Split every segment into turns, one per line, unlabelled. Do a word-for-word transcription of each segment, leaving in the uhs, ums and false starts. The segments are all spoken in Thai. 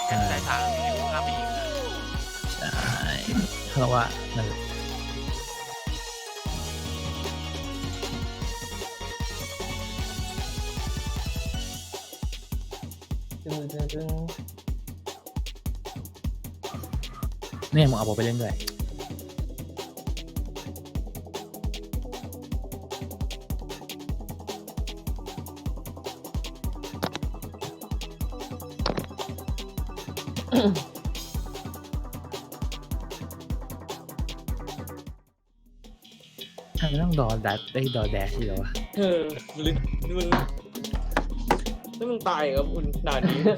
แค่ได้ทางที่คุณข้ามไปอีกนะ
ใช่เพราะว่านั่นแหละ
ตึงตึงตึง
เนี่ยมึงเอาผมไปเล่นด้วยทำไมต้องดอดัดได้ดอแดชเหรอวะ
เออลึกมึงนี่มึงตายครับคุณด่านนี้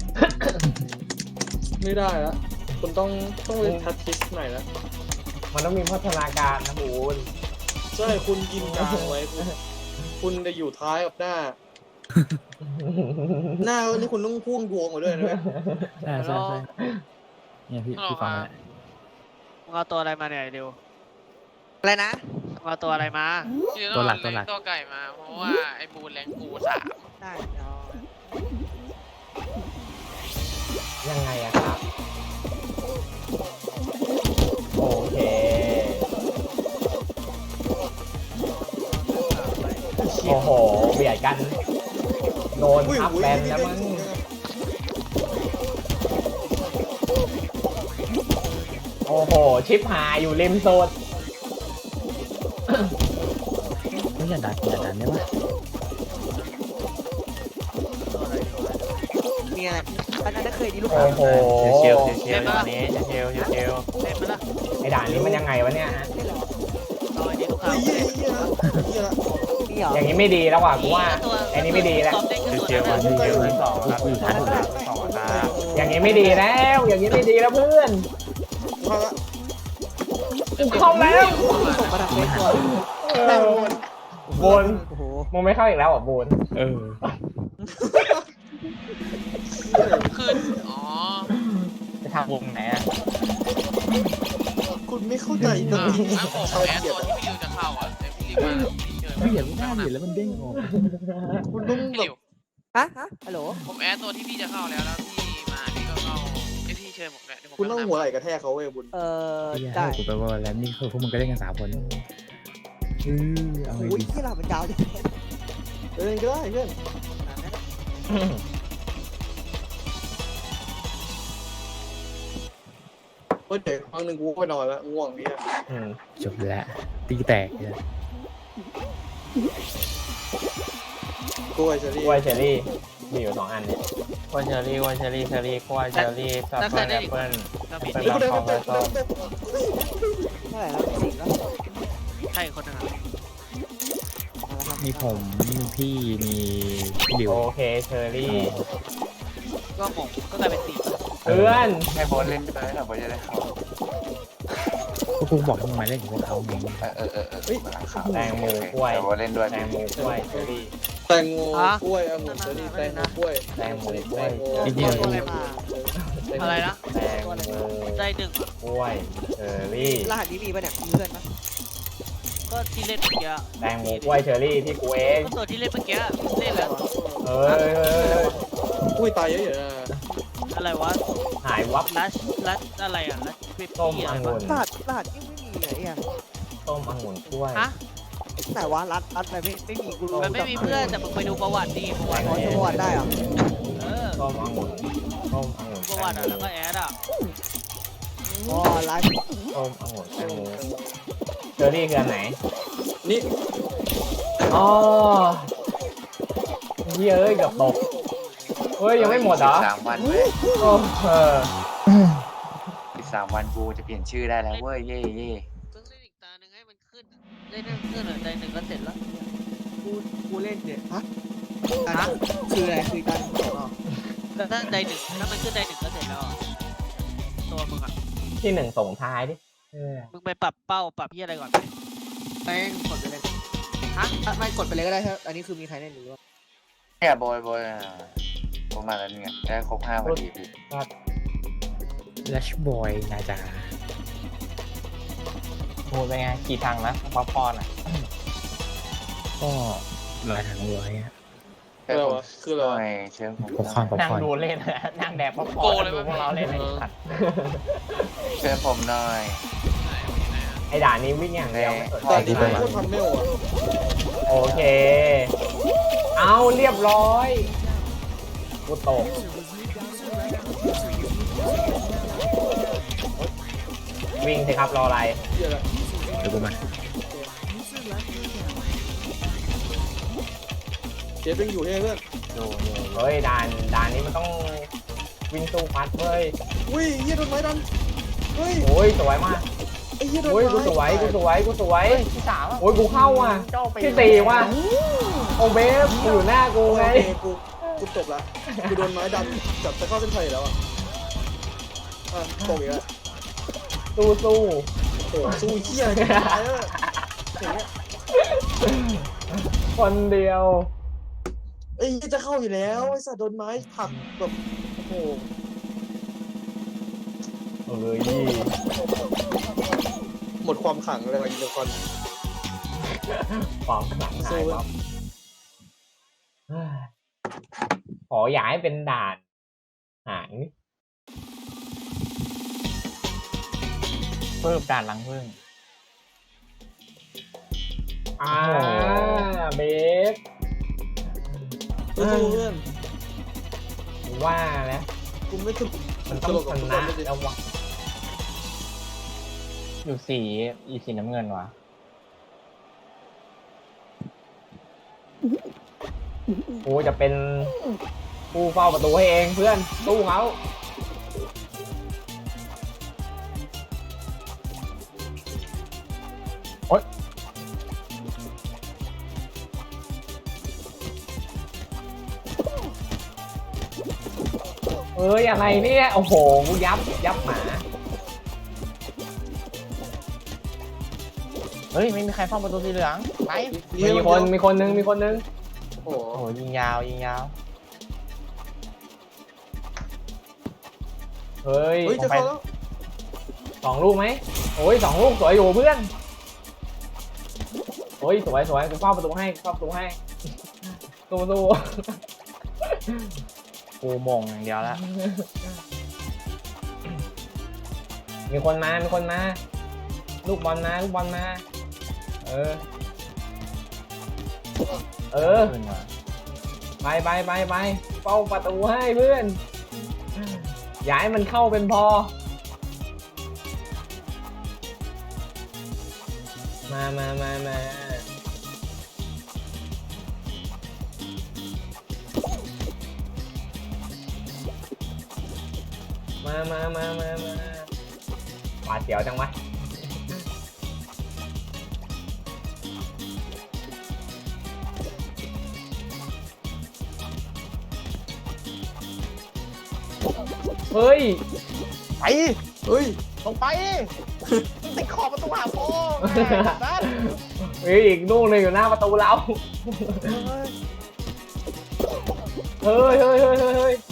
ไม่ได้แล้วคุณต้องต้องเล่นทัชทิสหน่อยแล้วมันต้องมีพัฒนาการนะบูนใช่คุณยิงกลางไว้คุณคุณจะอยู่ท้ายกับหน้า หน้านี่คุณต้องพ่วงดวงมาด้วยนะ
ใช่ใช่ใช่เนี่ยพี่พี่ฟังแล้ว
มึงเอาตัวอะไรมาเนี่ยเร็ว
อะไรนะ
มึงเอาตัวอะไรมา
ตัวหลักตัวหลัก
ตัวไก่มาเพราะว่าไอ้บูนแรงกูสาม
ได้เดี๋ยว
ยังไงอะครับโอเคโอ้โหเบียดกันโดนทับแบนแล้วมึงโอ้โหชิปหายอยู่ริมโซน
ไม่อย่าดันอย่าดันได้ปะ
มีอะไรอันนั้นเคยดีลูก
โอ้โห
เชียวเชียวเชียววันนี้เชียวเชียวเชียว
เล่นมาละ
ไอ้ด่านนี้มันยังไงวะเนี่ยฮะ
ต่อยนี้ลูกค้า
นี่เหรอ
อย่างนี้ไม่ดีแล้วว่ะกูว่าไอ้นี้ไม่ดีแล้ว
เชียววันเชียวที่สองครับที่สองสองตา
อย่างนี้ไม่ดีแล้ว อย่างนี้ไม่ดีแล้วเพื่อนกูเข้าแล้ว
ส่งมาทางเฟซตัว
เออโบน
โอ้โห
มึงไม่เข้าอีกแล้วเหรอ่ะโบน
เออ
ขึ้นอ๋อ
จะทำวงไหนอ่ะ
คุณไม่เข้าใจตรงนี้
อ่ะผมแอดตัวที่พี่ริวจะเข้าอ่ะแต่พี่ริวมาพี่เจอ
ไม่เห็นไม่น่าเห็นแล้วมันเด้งออก
คุณต้อง
พี่
แบ
ริ
บ
ว
ฮะฮะฮัลโหล
ผมแอดตัวที่พี่จะเข้าแล้วแล้วพี่มาพี่ก็เข้าไอพี่เชิญผมเนี่ยเดี๋ยวผม
คุณต้องหัวไหล่กระแทกเขาเว้ยบุญ
เอ่อ
ไอ้
ได้
เหี้ยกูไปว่าแล้วนี่คือพวกมึงก็เล่นกันสามคนเออเอาไง
โอ้ย
ดี
ที่เราเป็นยาวดิ
เดินก็ได้เพื่อนเฮ้ยเดี๋ยวครั้งหนึ่งกูก็ไปนอนแล้วง่วงเนี่ย
อืม
จบแล้วตีแตกเลย
กล้วยเชอรี่
กล้วยเชอรี่มีอยู่สองอันเนี่ย
กล้วยเชอรี่กล้วยเชอรี่เชอรี่กล้วยเชอรี่สับปะรดแอปเปิ้ล
ก็มี
เป็น
เฮ้ยกูเดิน
ข
ไป
อง
เดิน
แล้ว
ไป
ก็
เท่าไหร่แล้วสี่แล้ว
ใช่คนนึงอ่ะ
มีผมมีพี่มีพี่ดิว
โอเคเชอรี่
ก็งงก็กลายเป็นสี่
เพื่อน
ให้โบนเล่นด้วยนะโบนจะได้เข้า
ก็กูบอกให้มึงมาเล่นกับพวกเขาไง
เออเออเออเออมาหลังข่าว
แตงโมกล้วย
โบนเล่นด้วย
แตงโมกล้วยเชอรี่
แตงโมกล้วยองุ่นเชอรี่แตงโมกล้วย
แตงโมกล้วย
จริงๆ
ตัวอะไรมา
อะไรนะ
แตงโม
ได้หนึ่ง
กล้วยเชอรี่
รหัสนี้มีป่ะเนี่ยมีเพื่อนปะ
ก็ที่เล่นเมื่อกี้
แตงโมกล้วยเชอรี่ที่กูเอง
ก็ตัวที่เล่นเมื่อกี้เล่นแล้ว
เออเออเออ
อุ้ยตายเยอะอยู่นะ
อะไรวะ
หายวับ
ลัชลัชอะไรอ่ะลัชคริป
ต้ม
ปี้อะ
อ
ไรง
ุ่
วะ
น
รหัสรหัสยังไม่มีไหนอ่ะ
ต้มองุ่นกล้วย
ฮะ
ไหนวะรัดรัดอะไรไม่ไม่มีกูรู้
มันไม่มีเพื่อนแต่มึงไปดูประวัติดิประวัติ
ขอจังหวัดได้เหรอ
เออ
ต้มองุ่นต้มองุ่น
ประวัติอ่ะแล้วก็แอดอ่ะ
อ๋อไลฟ์
ต้มองุ่นแตงโมเชอรี่คืออันไหน
นี่
อ๋อเฮ้ยเอ้ยเกับตกเฮ้ยยังไม่หมดเหรอ
สามวันเว้ย
โอ้เออ
อีกสามวันกูจะเปลี่ยนชื่อได้แล้วเว้ยเย่เย่
ต้องเล่นอีกตาหนึ่งให้มันขึ้นเล่นให้มันขึ้นอ่ะใจหนึ่งก็เสร็จแล้ว
กูกูเล่นเนี่ยฮะฮะคืออะไรคือการเก็บออก
ก็ถ้าใจหนึ่งถ้ามันขึ้นใจหนึ่งก็เสร็จแล้วอะตัวมึงอ่ะ
ที่หนึ่งส่งท้ายดิเออ
มึงไปปรับเป้าปรับที่อะไรก่อนไหม
แป้งกดไปเลย
ฮะ
อ่ะไม่กดไปเลยก็ได้ครับอันนี้คือมีใครเล่นหรือว่า
เนี่ยโบยโบยอ่ะโบยมาแล้วเนี่ยได้ครบห้าพอดีพี่
ลัชบอยนาจา
โหเป็นไงกี่ทางนะป๊อปคอร์นอ่ะ
ก็ลอยทางร้อยอะ
เชิญ
อะไร
ผม
วะคืออะไร
หน่
วะ
อยเชิญผม
ป๊อปคอร์นป๊อป
นั่ง
คอร์น
ดูเล่นนะนั่งแดกป๊อปคอ
โก
ร์น
เลย
ดู
มั้ย
พวกเราเล่นไอ้สัตว์
เชิญผมหน่อย
ไอ้ด่านนี้วิ่งอย่างเดียวไม่สน
ตอน
ใจ
นี้เป็นโคตรทำเมลอ่ะ
โอเค เอาเรียบร้อยกูตกวิ่งสิครับรออะไร
เหี้ยอะไร
เดี๋ยวกูมา
เจฟยังอยู่ให้เพื่อน
ดูดู
เฮ้ยด่านด่านนี้มันต้องวิ่งสู้ฟัดเว้ย
อุ้ยเหี้ยโดนไม้ดันเฮ้ย
โอ้ยสวยมาก
ไอ้เหี้ยโดน
โอ้ย
ไม้
กูสวยกูสวยกูสวย
ที่สามอะ
โอ้ยกูเข้าว่ะ
เจ้าไป
ที่สี่ว่ะโอเบฟกูอยู่หน้ากู
โอ
ไง
เคกูกูจบละกูโดนไม้ดันจับจะเข้าเส้นชัยแล้วอ่ะอ่ะตกอีกแล้ว
สู้สู้
โอ้โหสู้เหี้ยอะไรกันตายแล้วอย่างเงี้ย
คนเดียว
ไอ้เหี้ยจะเข้าอยู่แล้วไอ้สัตว์โดนไม้ผลักแบบโอ้โห
เอ้ย
หมดความขลังเลยว่ะอินเตอร์คอน
ความขลังหายวับเฮ้ยขออย่าให้เป็นด่านหางนี่
เพิ่มด่านหลังพึ่ง
อ่าเบฟ
เพื่อนเพื่อน
ว่านะ
กูไม่ถึง
มันต้องชนะแล้ววะ
อยู่สีอีสีน้ำเงินวะ
กูจะเป็นผู้เฝ้าประตูให้เองเพื่อนสู้เขาโอ๊ยเอ้ยอะไรเนี่ยโอ้โหกูยับยับหมา
เฮ้ยไม่มีใครเฝ้าประตูสีเหลืองไป
มีคนมีคนนึงมีคนนึง
โอ้โห
โอ้โหยิงยาวยิงยาว
เฮ้ย
เฮ้ยจะเข้าแล้ว
สองลูกไหมโอ้ยสองลูกสวยอยู่เพื่อนโอ้ยสวยสวยกูเฝ้าประตูให้เฝ้าประตูให้สู้สู้
กูมงอย่างเดียวแล้ว
มีคนมามีคนมาลูกบอลมาลูกบอลมาเออเออ
ขึ้นมา
ไปไปไปไปเฝ้าประตูให้เพื่อนอย่าให้มันเข้าเป็นพอมามามามามามามามามาหวาดเสียวจังวะเฮ้ย
ไป
เฮ้ย
ลงไปติดขอบประตูหาโป้นั่น
เฮ้ยอีกลูกหนึงอยู่หน้าประตูเราเฮ้ยเฮ้ยเฮ้ยเฮ้ยเฮ้ย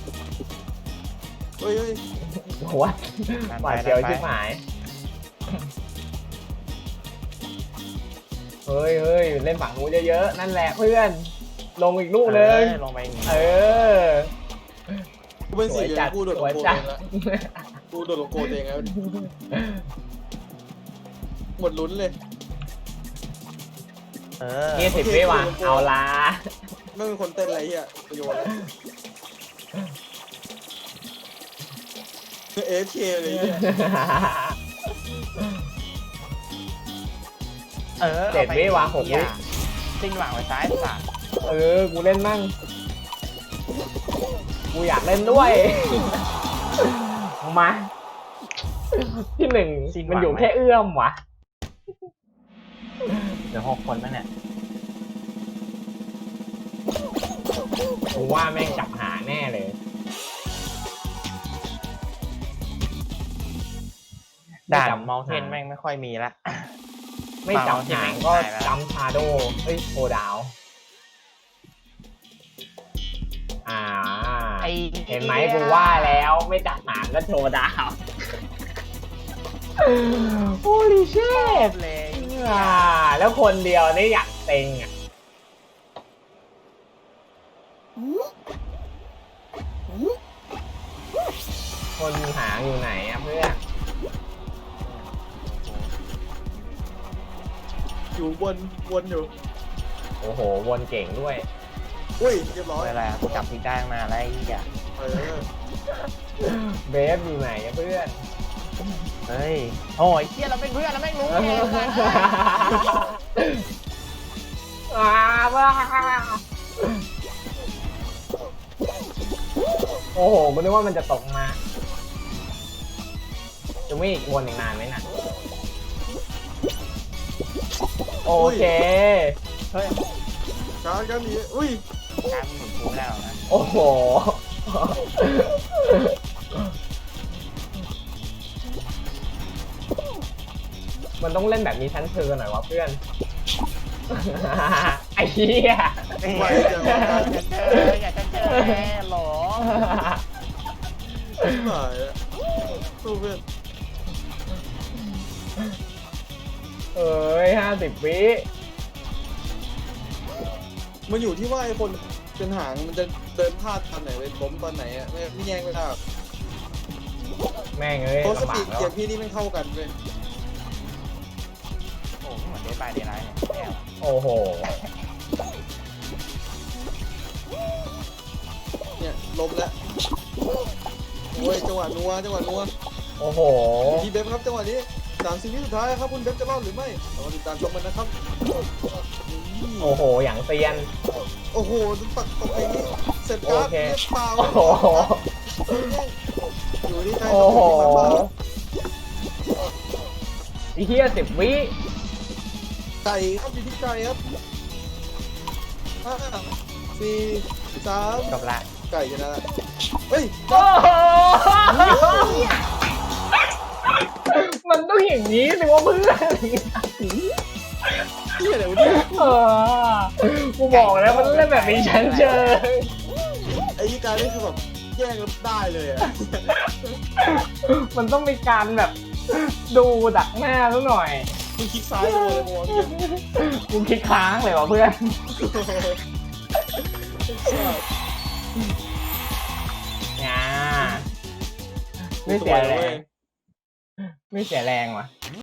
เฮ้ยเฮ้ย
หัวหวาดเสียวชิบหายเฮ้ยเฮ้ยเล่นฝั่งนู้นเยอะๆนั่นแหละเพื่อนลงอีกลูกหนึง
ลงไปอย่างงี้
เออ
กูเป็น
ส
สี
วย
เลย
จัด
กูโดด
ส
ล
ว
ง
ย
โก
จั
เอ
ด
งแล้วกูโดดลงโกเองแล้วหมดลุ้นเลย
เออ
นี่สิบวิว่ะเอาละ
ไม่เป็นคนเต้นอะไรเหี้ยโยนแล้วเอฟเคเลยเนี่ย
เออ
เจ็ดวิว่ะหกวิ
ซิ่งหวังไว้ซ้ายสาม
เออกูเล่นมั่งกูอยากเล่นด้วยมาที่หนึ่งมันอยู่แค่เอื้อมวะ
เหลือหกคนแล้วเนี่ย
กูว่าแม่งจับหาแน่เลย
ด่านมอลเทนแม่งไม่ค่อยมีละ
ไม่จับหางก็จำชาโดเฮ้ยโคดาว อ่า
ไอ
เห็นไหมกูว่าแล้วไม่จับหางก็โชว์ดาวโอ้ลิเช
ชอ
ต
บเลย
อ่าแล้วคนเดียวนี่อยากเต็งอ่ะคนหางอยู่ไหนอะเพื่อน
อยู่วนวนอยู่
โอ้โหวนเก่งด้วย
อุ้ยเรียบร้อย
อะไรกูจับผิดได้ตั้งนานแล้วไอ้เหี้ย
เออ
เบฟอยู่ไหนอะเพื่อน
เฮ้ยโอ้ยเหี้ยเราเป็นเพื่อนเราไม่รู้ไง
ว้าว้าโอ้โหกูนึกว่ามันจะตกมา จะวิ่งอีกวนอีกนานไหมน่ะ โอเค
เฮ้ย
การกันนี้อุ้ย
การมึงหมุนกูไม่ได้หรอกนะ
โอ้โห มันต้องเล่นแบบมีชั้นเชิงหน่อยวะเพื่อน ไอ้เหี้ย
ไม่จะ
อยา
มาการ
กเจออยากจะเจอแน่หรอ
ที่หมายอะสู้เพื่อน
เอ้ยห้าสิบวิ
มันอยู่ที่ว่าไอ้คนเป็นหางมันจะเดินพลาดตอนไหนเลยล้มตอนไหนอะไม่ไม่แย่งไม่ได้
แม่งเอ้ย
เพราะส
ลำบา
ปี
ก
ด
แล้ว
เกมพี่นี่ไม่เข้ากันเลย
โอ้โหเหมือนเดย์บายเดย์ไลท์เนี่ยแย่ว่ะ
โอ้โห
เนี่ยล้มแล้วโอ้ยจังหวะนัวจังหวะนัว
โอ้โห
ทีเบฟครับจังหวะนี้สามสิบวิสุดท้ายครับคุณเบฟจะรอดหรือไม่เรามาติดตามชมกันนะครับ
โอ้โห อย่างเซียน
โอ้โหปักตกอย่างนี้เสร็จการ์ด
โอเค
เรียบเปล่า
โอ้โห
อยู่ที่ใคร
โอ้โห
ครับ
ไอ้เหี้ยสิบวิ
ไก่ครับอยู่ที่ไก่ครับห้าสี่สาม
จบละ
ไก่ชนะเฮ้ย
โอ้โห มันต้องอย่างนี้สิวะเพื่อน
เฮียอะไรวะเนี่ย
เออกูบอกแล้วมันเล่นแบบมีชั้นเชิง
ไอ้ยี่การนี่คือแบบแย่งกันได้เลยอ่ะ
มันต้องมีการแบบดูดักหน้าซะหน่อย
มึงคลิกซ้ายเลยมองยัง
กูคิดค้างเลยวะเพื่อน อ่าไม่เสียแรง ไม่เสียแรงว่ะ